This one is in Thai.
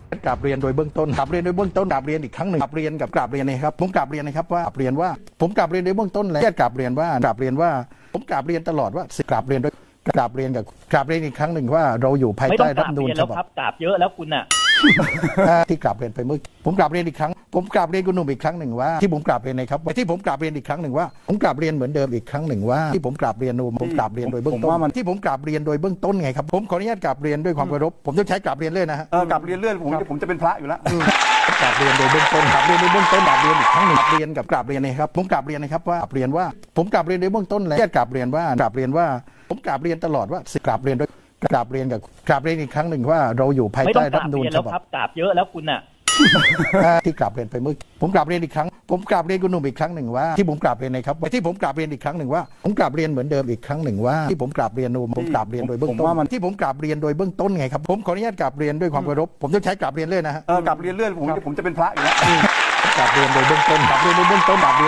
กราบเรียนโดยเบื้องต้นกราบเรียนโดยเบื้องต้นกราบเรียนอีกครั้งหนึ่งกราบเรียนนะครับผมกราบเรียนนะครับว่ากราบเรียนว่าผมกราบเรียนโดยเบื้องต้นแล้วกราบเรียนว่าผมกราบเรียนตลอดว่ากราบเรียนโดยกราบเรียนอีกครั้งหนึ่งว่าเราอยู่ภายใต้รัฐธรรมนูญฉบับกราบเยอะแล้วคุณอ่ะที่กราบเรียนไปเมื่อผมกราบเรียนอีกครั้งผมกราบเรียนคุณหนุ่มอีกครั้งหนึ่งว่าที่ผมกราบเรียนนะครับที่ผมกราบเรียนอีกครั้งหนึ่งว่าผมกราบเรียนเหมือนเดิมอีกครั้งหนึ่งว่าที่ผมกราบเรียนโดยเบื้องต้นที่ผมกราบเรียนโดยเบื้องต้นไงครับผมขออนุญาตกราบเรียนด้วยความเคารพผมต้องใช้กราบเรียนเลยนะฮะกลับเรียนเรื่อยผมจะเป็นพระอยู่แล้วกราบเรียนโดยเบื้องต้นกราบเรียนโดยเบื้องต้นกราบเรียนอีกครั้งหนึ่งกราบเรียนนะครับผมกราบเรียนนะครับว่ากราบเรียนว่าผมกราบเรียนโดยเบื้องต้นแล้วกราบเรียนว่าผมกราบเรียนตลอดว่ากราบเรียนอีกครั้งหนึ่งว่าเราอยู่ภายใต้รัฐธรรมนูญฉบับกราบเยอะแล้วคุณอ่ะที่กราบเรียนไปเมื่อผมกราบเรียนอีกครั้งผมกราบเรียนคุณหนุ่มอีกครั้งหนึ่งว่าที่ผมกราบเรียนนะครับที่ผมกราบเรียนอีกครั้งหนึ่งว่าผมกราบเรียนเหมือนเดิมอีกครั้งหนึ่งว่าที่ผมกราบเรียนโดยเบื้องต้นที่ผมกราบเรียนโดยเบื้องต้นไงครับผมขออนุญาตกราบเรียนด้วยความเคารพผมต้องใช้กราบเรียนเลยนะฮะกลับเรียนเรื่อยผมจะเป็นพระอยู่แล้วกราบเรียนโดยเบื้องต้น